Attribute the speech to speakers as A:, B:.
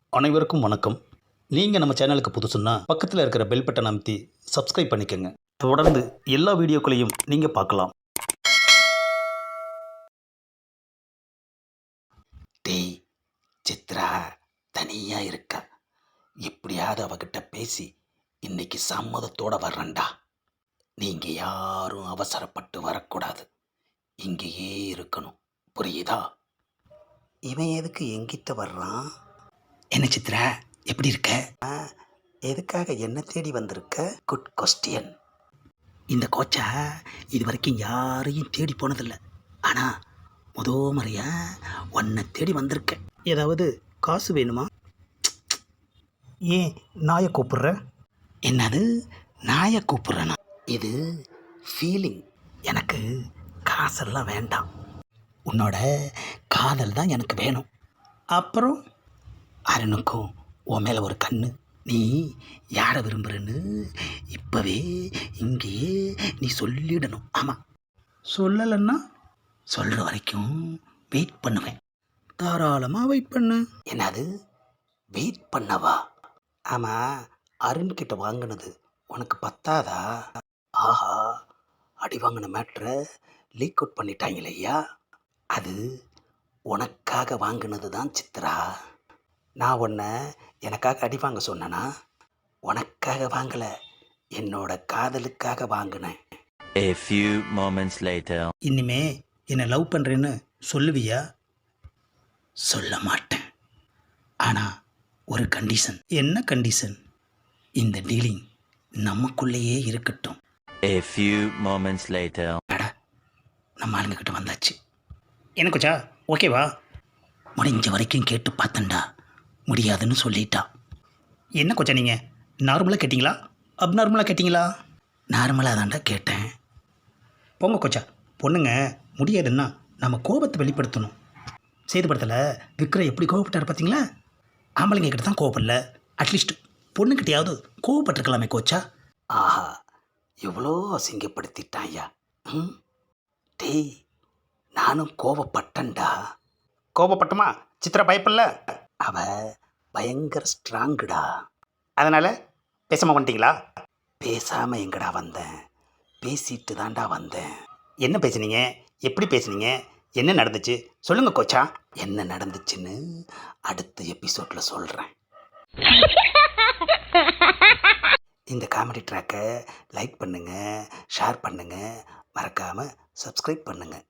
A: அனைவருக்கும் வணக்கம். நீங்கள் நம்ம சேனலுக்கு புதுசுன்னா பக்கத்தில் இருக்கிற பெல் பட்டன் அமைத்தி சப்ஸ்கிரைப் பண்ணிக்கோங்க. தொடர்ந்து எல்லா வீடியோக்களையும் நீங்கள் பார்க்கலாம்.
B: டேய், சித்ரா தனியாக இருக்கா. எப்படியாவது அவகிட்ட பேசி இன்னைக்கு சம்மதத்தோட வர்றேன்டா. நீங்கள் யாரும் அவசரப்பட்டு வரக்கூடாது. இங்கேயே இருக்கணும், புரியுதா? இவன் எதுக்கு எங்கிட்ட வர்றான்? என்ன சித்ரா, எப்படி இருக்க? எதுக்காக என்ன தேடி வந்திருக்க? Good question. இந்த கோச்சா இது வரைக்கும் யாரையும் தேடி போனதில்லை. ஆனால் முறையா உன்னை தேடி வந்திருக்கேன்.
A: ஏதாவது காசு வேணுமா? ஏன் நாயை கூப்பிடுற?
B: என்னது நாயை கூப்பிட்றேனா? இது ஃபீலிங். எனக்கு காசெல்லாம் வேண்டாம். உன்னோட காதல் தான் எனக்கு வேணும்.
A: அப்புறம்
B: அருணுக்கும் உன் மேலே ஒரு கண்ணு. நீ யாரை விரும்புகிறன்னு இப்போவே இங்கேயே நீ சொல்லிடணும். ஆமாம்,
A: சொல்லலைன்னா
B: சொல்கிற வரைக்கும் வெயிட் பண்ணுவேன்.
A: தாராளமாக வெயிட் பண்ணு.
B: என்னது வெயிட் பண்ணவா? ஆமாம், அருண்கிட்ட வாங்கினது உனக்கு பத்தாதா? ஆஹா, அடி வாங்கின மேட்ரை லீக் அவுட் பண்ணிட்டாங்களே ஐயா. அது உனக்காக வாங்கினது தான் சித்ரா. நான் உன்னை எனக்காக அடி வாங்க சொன்னேனா? உனக்காக வாங்கலை, என்னோட காதலுக்காக வாங்கினேன்.
C: A few moments later.
A: இனிமே என்னை லவ் பண்ணுறேன்னு சொல்லுவியா?
B: சொல்ல மாட்டேன். ஆனால் ஒரு கண்டிஷன்.
A: என்ன கண்டிஷன்?
B: இந்த டீலிங் நமக்குள்ளேயே இருக்கட்டும்.
C: A few moments later.
B: அட, நம்ம ஆளுங்கக்கிட்ட வந்தாச்சு.
A: என்ன கொச்சா, ஓகேவா?
B: முடிஞ்ச வரைக்கும் கேட்டு பார்த்தேன்டா, முடியாதுன்னு சொல்லிட்டா.
A: என்ன கொச்சா, நீங்கள் நார்மலாக கேட்டிங்களா அப்நார்மலாக கேட்டிங்களா?
B: நார்மலாக தான்டா கேட்டேன்.
A: போங்க கொச்சா, பொண்ணுங்க முடியாதுன்னா நம்ம கோபத்தை வெளிப்படுத்தணும். சேதுபடத்தில் விக்ரம் எப்படி கோவப்பட்டார் பார்த்தீங்களா? ஆம்பளைங்க கிட்ட தான் கோவப்படல, அட்லீஸ்ட் பொண்ணுக்கிட்டையாவது கோவப்பட்டிருக்கலாமே கோச்சா.
B: ஆஹா, எவ்வளோ அசிங்கப்படுத்திட்டான் ஐயா. டேய், நானும் கோவப்பட்டேன்டா.
A: கோபப்பட்டுமா? சித்ரா பயப்படல?
B: அவ பயங்கர ஸ்ட்ராங்குடா.
A: அதனால் பேசாமல் வந்துட்டீங்களா?
B: பேசாமல் எங்கடா வந்தேன், பேசிட்டு தான்டா வந்தேன்.
A: என்ன பேசுனீங்க? எப்படி பேசுனீங்க? என்ன நடந்துச்சு சொல்லுங்கள் கோச்சா.
B: என்ன நடந்துச்சுன்னு அடுத்த எபிசோடில் சொல்கிறேன். இந்த காமெடி ட்ராக்கை லைக் பண்ணுங்கள், ஷேர் பண்ணுங்கள், மறக்காமல் சப்ஸ்கிரைப் பண்ணுங்கள்.